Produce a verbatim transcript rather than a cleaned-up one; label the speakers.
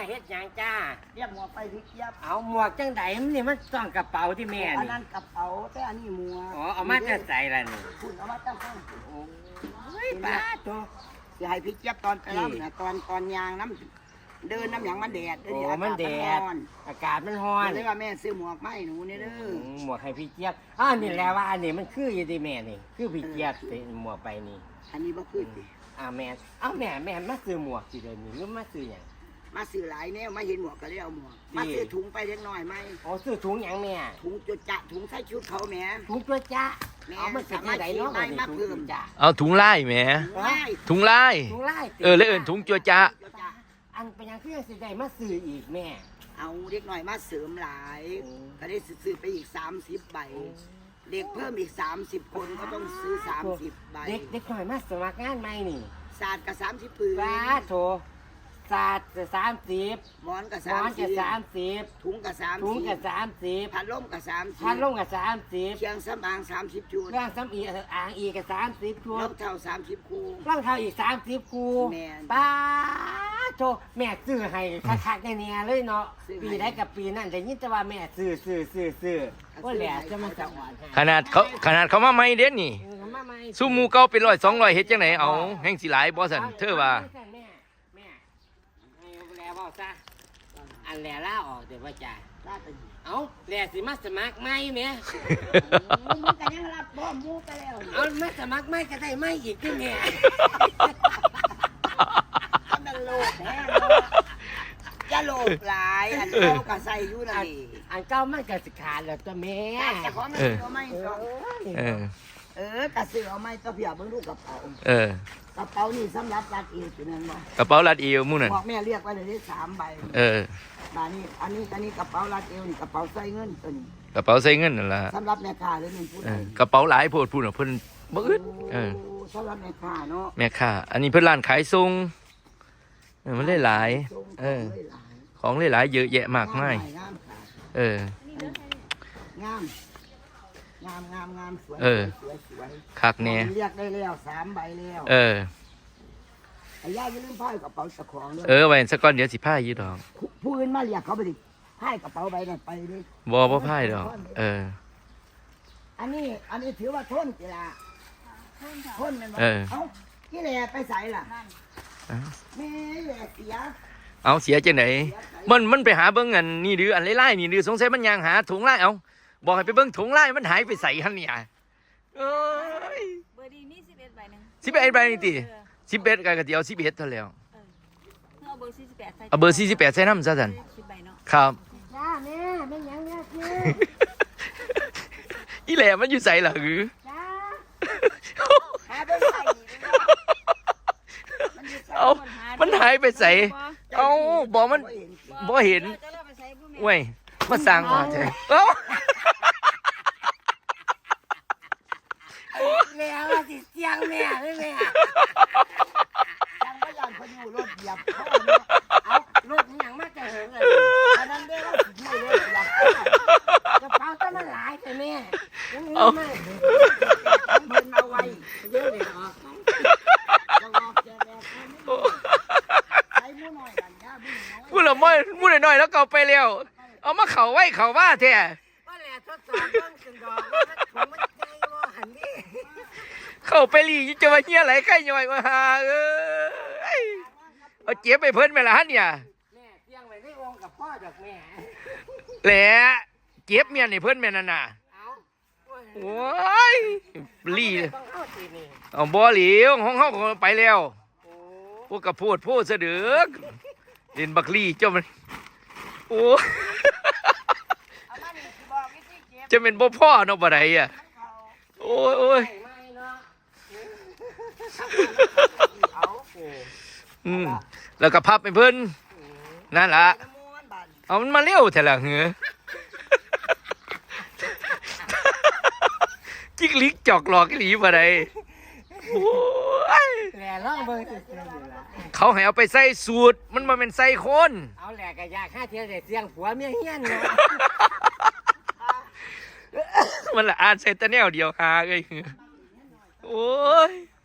Speaker 1: เฮ็ดหยังจ้า
Speaker 2: เรียกหมวกไปพี่เจี๊ยบ
Speaker 1: เอาหมวกจังไดมันนี่มันต้องกระเป๋าที่แม่นี่อัน
Speaker 2: นั้นกระเป๋าแต่อันนี้หมวก
Speaker 1: อ๋อเอามาจะใส่ละนี่
Speaker 2: คุณเอามาตั้งข้าง
Speaker 1: โอ้ยป้าโต
Speaker 2: สิให้พี่เจี๊ยบตอนไปรำนะตอนตอนยางน้ำเดินน้ำหยังมันแดด
Speaker 1: โอ้มันแดดอากาศมันร้อน
Speaker 2: เลยว่าแม่ซื้อหมวกมาให้หนูนี่เด้อ
Speaker 1: หมวกให้พี่เจี๊ยบอ้าวนี่แหละว่าอันนี้มันคืออยู่ที่แม่นี่คือพี่เจี๊ยบหมวกไปนี่
Speaker 2: อันนี้บ่คือสิ
Speaker 1: อ่าแม่เอ้าแม่แม่มาซื้อหมวกสิเดี๋ยวนี้หรือมาซื้อหยัง
Speaker 2: มาซื้อหลายแนวมาเห็นหมวกก็เลยเอาหมวกมาซื้อถุงไปเล็กน้อยไหม
Speaker 1: อ๋อซื้อถุงหยังแม่
Speaker 2: ถุงจุดจะถุงใส่ชุดเขาแม่
Speaker 1: ถุงจุดจะเอามันเป็นยังไงเนาะ
Speaker 2: มาเพิ่มจ้ะ
Speaker 3: เอาถุงไล่แหมถุงไล่
Speaker 1: ถุงไล่
Speaker 3: เออแล้วเอิ้นถุงจัวจ้า
Speaker 1: อันเป็นยังคือสิได้มาซื้ออีกแม่
Speaker 2: เอาเล็กน้อยมาเสริมหลายก็ได้ซื้อไปอีกสามสิบใบเด็กเพิ่มอีกสามสิบคนก็ต้องซื้อสามสิบใบ
Speaker 1: เด็กเด็กหน่อยมาสมัครงานใหม่นี่
Speaker 2: ศาสตร์กับสามสิบปืน
Speaker 1: ว้าโถศาสตร์กับสามสิบ
Speaker 2: หมอนกับ
Speaker 1: สามสิบสามสิบ
Speaker 2: ถุงกับสาม
Speaker 1: ถุงกับสามสิบ
Speaker 2: พัดลมกับสามสิบ
Speaker 1: พัดลมกับสามสิบ
Speaker 2: เชียงสำอางสามสิบชุด
Speaker 1: ร่างสำอีอ่างอีกับสามสิบชุด
Speaker 2: รองเท้าสามสิบคู่
Speaker 1: รองเท้าอีกสามสิบคู่ป้าโถแม่ซื้อให้คักๆแน่ๆเลยเนาะปีได้กับปีนั่นแต่ยินแต่ว่าแม่ซื้อซื้อซื้อซื้อก็แหละจะมันจะอ่อน
Speaker 3: ขนาดเขาขนาดเขามาไม่เด่นนี่สู้มูเก่าเป็นร้อยสองร้อยเฮ็ดจังไหนเอาแห่งสิหลายบ่สันเธอว่า
Speaker 1: บอกซะอันแหล่ล่าออกเดี๋ยวว่าจ่าเอาแหล่สิมาสมัครไม่ไหม
Speaker 2: มึงกันยังรับบ่มูไปแล้ว
Speaker 1: เอามาสมัครไม่ก็ได้ไม่อีกที่แม่
Speaker 2: มันโลภแท้จะโลภหลายอันเก่าก็ใส่อยู่นั่นนี่
Speaker 1: อันเก่ามันก็สิขาดแล้วตัวแม่
Speaker 2: แต่ของมันเอาไม่เออเออกระสือเอาไม่ก็เพียบเบิ่งลูกกระเป๋า
Speaker 3: เออก
Speaker 2: ระเป๋านี่สำหรับรัดเอวอยู่นั่นบ่
Speaker 3: กระเป๋ารัดเอวมู่นั่น
Speaker 2: บอกแม่เรียกไว้เลยสามใบ
Speaker 3: เออ
Speaker 2: มานี่อันนี้อันนี้กระเป๋ารัดเอวนี่กระเป๋าใส่เงินตัวนี้
Speaker 3: กระเป๋าใส่เงินนั่นล่ะ
Speaker 2: สำหรับแม่ค้าหรือนี่ผู้ใด
Speaker 3: กระเป๋าหลายโพดพูดน่ะเพิ่นบ่อึดเออ
Speaker 2: สำหรับแม่ค้าเนาะ
Speaker 3: แม่ค้าอันนี้เพิ่นร้านขายส่งเออมันได้หลายเออของหลายๆเยอะแยะมากมายเออง
Speaker 2: ามงามงามงามสวยสวยสวย
Speaker 3: คักแน่
Speaker 2: เรียกได้แล้วสามใบแล้ว
Speaker 3: เออ
Speaker 2: ไอ้ย่าอย่าลืมพายกระเป๋าตะของด้วย
Speaker 3: เออไว้สักก้อนเดี๋ยวสิพายอยู่ดอก
Speaker 2: ผู้อื่นมาเรียกเขาไปดิพายกระเป๋าใบนั้นไปดิ
Speaker 3: บ่บ่พายดอกเออ
Speaker 2: อันนี้อันนี้ถือว่าทนกีฬาทนมัน
Speaker 3: เออ
Speaker 2: เอ้ากี่แหล่ไปใส่ล่ะแม่แหล่เสีย
Speaker 3: เอาเสียจังไหนมันมันไปหาเบิ่งอันนี่ดื้ออันไล่ๆนี่ดื้อสงสัยมันยางหาถุงไล่เอาบอกให้ไปเบิ่งถุงไล่มันหายไปใส่หั่นเนี่ยเอ้ย
Speaker 4: เบอร์ดีนี่สิบเอ็ดใบนึง
Speaker 3: สิบเอ็ดใบนี่ติสิบเอ็ดก็เดียวสิบเอ็ดเท่าแล้ว
Speaker 4: เอาเบอร์สี่สิบแปดใส่
Speaker 3: เอาเบอร์สี่สิบแปดใส่นำซะซั่นครับ
Speaker 1: จ้าแม่แม่ยังแม่คือ
Speaker 3: อีแหล่มันอยู่ใส่ล่ะหือ
Speaker 1: จ้า
Speaker 2: หาไปใส่
Speaker 3: เอามันหายไปใส่เอาบอกมันบ่เห็นเว้ยมาสั่งมาใช่เอ้า
Speaker 1: แม่ว่าสิเสียงแม่เลยแม่
Speaker 2: ยังไม่ยอมพยุรถเหยียบพ่อ
Speaker 1: เอารถยังมาจะเหิงเลย
Speaker 2: อันนั้นได้ว่าสิยุรถเหยียบ
Speaker 1: กระเป๋าจะมาหลายแต่แม่ยังมีไหม
Speaker 2: เพิ่นเอาไว้
Speaker 1: เยอะเลยเหรอ
Speaker 3: พูดละม้อยพูดหน่อยแล้วเก่าไปเร็วเอามาเข่าไว้เข่าว่าแท้
Speaker 1: ว่าแหละทดสอบเรื่องกันดอกว่ามันมันใจว่าหันนี่
Speaker 3: เข่าไปหลีจะมาเหี้ยไหลใกล้ย่อยว่าฮาเอ้ยเอาเจี๊ยบไปเพิ่นไปละฮะเนี่ย
Speaker 1: แม่เตียงไว้ได้วงกับพ่อดอกแม่
Speaker 3: แหละเจี๊ยบเมียนี่เพิ่นแม่นั่นน่ะโอ้ยลีเอาบ่เหลียวห้องเฮาไปแล้วพวกกระโพดโพดเสดือกเล่นบักลี่เจ้ามันโอ้จะเป็นบ่พ่อเนาะบ่ได้อ่ะโอ้ยโอ้ยอืมแล้วก็พับไปเพิ่นนั่นล่ะเอามันมาเร็วแท้ล่ะเหรอจิกลิกจอกหลอกหลีบ่ได้
Speaker 1: แหล่ล่องเบอร์
Speaker 3: เขาให้เอาไปใส่สูตรมันมาเป็นใส่คน
Speaker 1: เอาแหล่กะยาฆ่าเทียนเสียงผัวเมียเฮี้ยนเนาะ
Speaker 3: มันละอ่านใส่ตะแนวเดียวหาเลยโอ้ย